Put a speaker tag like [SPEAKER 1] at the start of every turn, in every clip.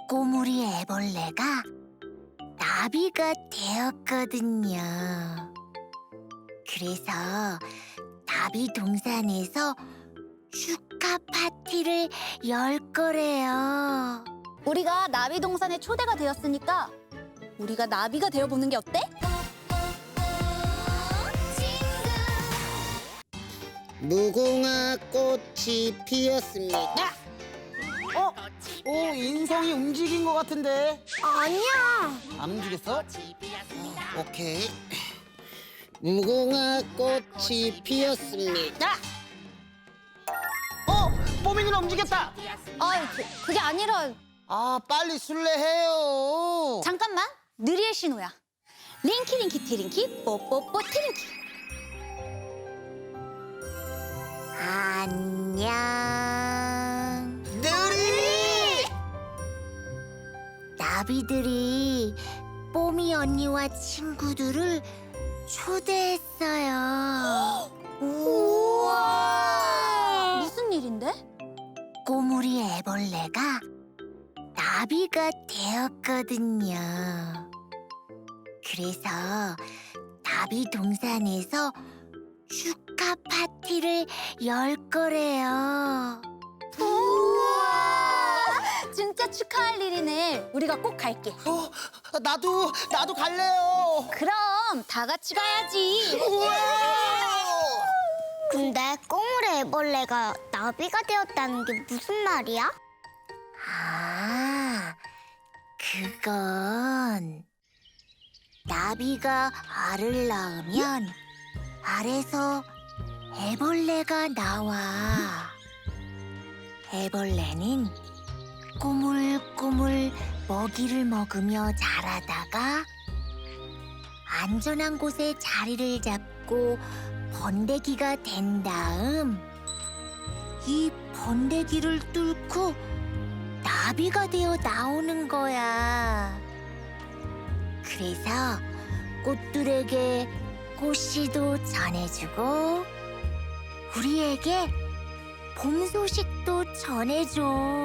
[SPEAKER 1] 꼬물이 애벌레가 나비가 되었거든요. 그래서 나비 동산에서 축하 파티를 열 거래요.
[SPEAKER 2] 우리가 나비 동산에 초대가 되었으니까 우리가 나비가 되어보는 게 어때?
[SPEAKER 3] 무궁화 꽃이 피었습니다.
[SPEAKER 4] 오, 인성이 움직인 것 같은데.
[SPEAKER 1] 아니야.
[SPEAKER 4] 안 움직였어?
[SPEAKER 3] 오케이. 무궁화 꽃이 피었습니다.
[SPEAKER 4] 뽀미 누나 움직였다.
[SPEAKER 2] 그게 아니라
[SPEAKER 4] 아, 빨리 술래해요.
[SPEAKER 2] 잠깐만, 느리의 신호야. 링키 링키 티링키 뽀뽀뽀 티링키.
[SPEAKER 1] 안녕.
[SPEAKER 4] 느리!
[SPEAKER 1] 나비들이 뽀미 언니와 친구들을 초대했어요.
[SPEAKER 2] 우와! 무슨 일인데?
[SPEAKER 1] 꼬물이 애벌레가 나비가 되었거든요. 그래서 나비 동산에서 축하 파티를 열 거래요.
[SPEAKER 2] 우와! 진짜 축하할 일이네. 우리가 꼭 갈게.
[SPEAKER 4] 나도 갈래요.
[SPEAKER 2] 그럼 다 같이 가야지.
[SPEAKER 5] 근데 꼬물의 애벌레가 나비가 되었다는 게 무슨 말이야?
[SPEAKER 1] 아, 그건 나비가 알을 낳으면 알에서 애벌레가 나와. 애벌레는 꼬물꼬물 먹이를 먹으며 자라다가 안전한 곳에 자리를 잡고 번데기가 된 다음 이 번데기를 뚫고 나비가 되어 나오는 거야. 그래서 꽃들에게 꽃씨도 전해주고 우리에게 봄 소식도 전해줘.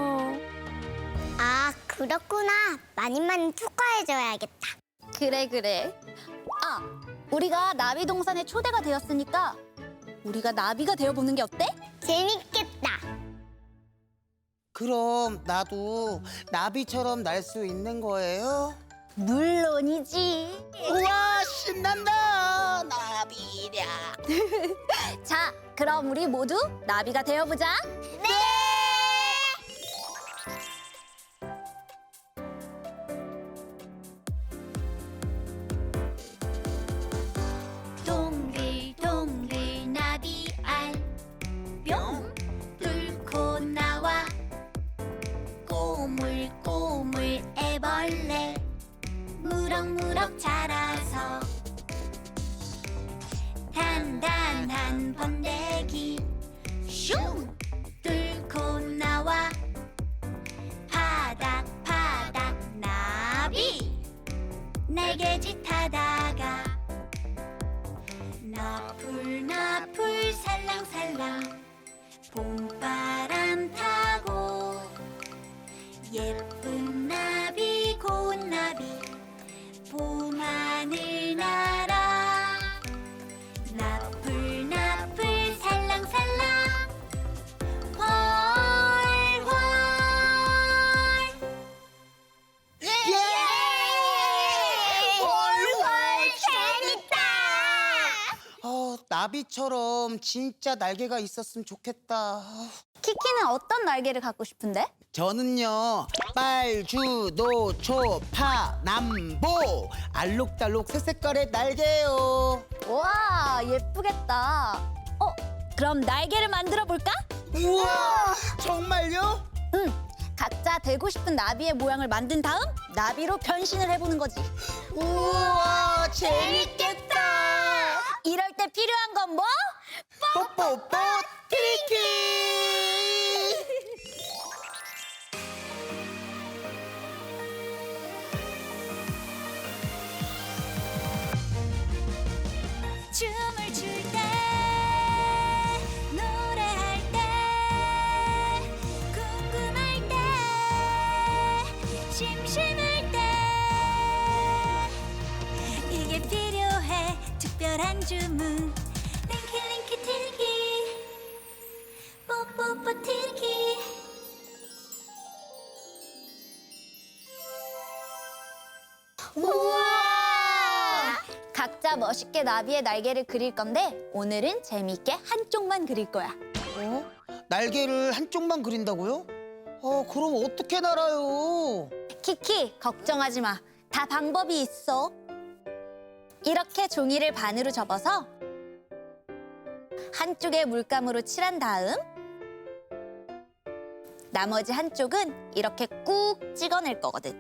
[SPEAKER 5] 아, 그렇구나. 많이 축하해줘야겠다.
[SPEAKER 2] 그래. 우리가 나비 동산에 초대가 되었으니까 우리가 나비가 되어보는 게 어때?
[SPEAKER 5] 재밌겠다.
[SPEAKER 4] 그럼 나도 나비처럼 날 수 있는 거예요?
[SPEAKER 2] 물론이지.
[SPEAKER 4] 우와, 신난다. 나비랴.
[SPEAKER 2] 자, 그럼 우리 모두 나비가 되어보자.
[SPEAKER 5] 네!
[SPEAKER 1] 동글동글 나비알 뿅 뚫고 나와 꼬물꼬물 애벌레 무럭무럭 자라서 단단한 번데기 슝 뚫고 나와 파닥파닥 나비 날개짓 하다가 나풀나풀 살랑살랑 봄바람 타고 예쁜 나비 고운 나비 봄하늘 날아 나풀나풀 살랑살랑 훨훨
[SPEAKER 4] 나비처럼 진짜 날개가 있었으면 좋겠다.
[SPEAKER 2] 키키는 어떤 날개를 갖고 싶은데?
[SPEAKER 4] 저는요, 빨주, 노초, 파, 남보 알록달록 새 색깔의 날개요.
[SPEAKER 2] 와, 예쁘겠다. 그럼 날개를 만들어 볼까?
[SPEAKER 4] 우와, 정말요?
[SPEAKER 2] 응. 각자 되고 싶은 나비의 모양을 만든 다음 나비로 변신을 해보는 거지.
[SPEAKER 4] 우와, 재밌겠다.
[SPEAKER 2] 이럴 때 필요한 건 뭐?
[SPEAKER 4] 뽀뽀뽀 트리키.
[SPEAKER 1] 춤을 출 때 노래할 때 궁금할 때 심심할 때 이게 필요해 특별한 주문 링키 링키 틸기 뽀뽀뽀 틸기
[SPEAKER 2] 우와! 각자 멋있게 나비의 날개를 그릴 건데 오늘은 재미있게 한쪽만 그릴 거야.
[SPEAKER 4] 어? 날개를 한쪽만 그린다고요? 그럼 어떻게 날아요?
[SPEAKER 2] 키키, 걱정하지 마. 다 방법이 있어. 이렇게 종이를 반으로 접어서 한쪽에 물감으로 칠한 다음 나머지 한쪽은 이렇게 꾹 찍어낼 거거든.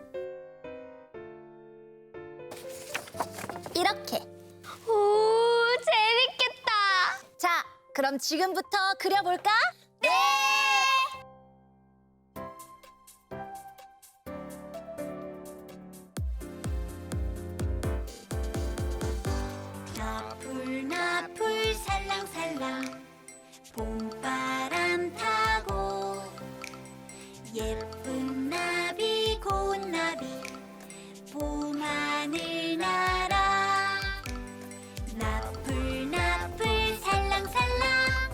[SPEAKER 2] 이렇게.
[SPEAKER 5] 오, 재밌겠다.
[SPEAKER 2] 자, 그럼 지금부터 그려볼까? 네!
[SPEAKER 1] 나풀 나풀 살랑살랑 봄바람 타고 예쁜 나비 고운 나비 봄하늘 날아 나풀 나풀 살랑살랑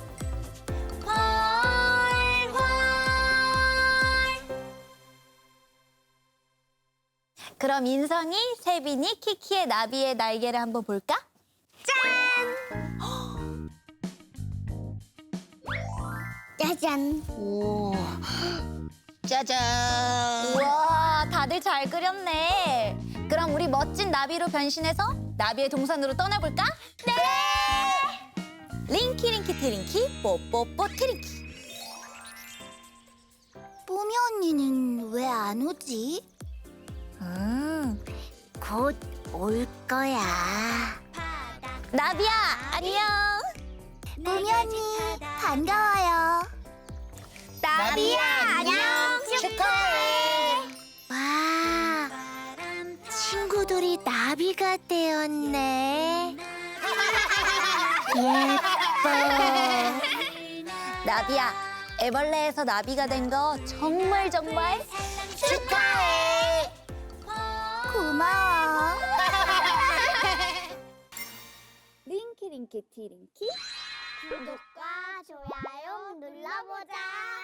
[SPEAKER 1] 훨훨
[SPEAKER 2] 그럼 인성이, 세빈이, 키키의 나비의 날개를 한번 볼까?
[SPEAKER 5] 짜잔.
[SPEAKER 3] 오, 짜잔.
[SPEAKER 2] 우와, 다들 잘 그렸네. 그럼 우리 멋진 나비로 변신해서 나비의 동산으로 떠나볼까? 네! 링키 링키 트링키 뽀뽀뽀 트링키.
[SPEAKER 5] 뽀미 언니는 왜 안 오지? 곧 올 거야.
[SPEAKER 2] 나비야, 안녕.
[SPEAKER 5] 뽀미 언니, 반가워요.
[SPEAKER 2] 나비야, 안녕.
[SPEAKER 5] 축하해. 와, 친구들이 나비가 되었네. 예뻐.
[SPEAKER 2] 나비야, 애벌레에서 나비가 된 거 정말
[SPEAKER 5] 축하해. 고마워.
[SPEAKER 2] 링키 링키 티링키.
[SPEAKER 5] 구독과 좋아요 눌러보자.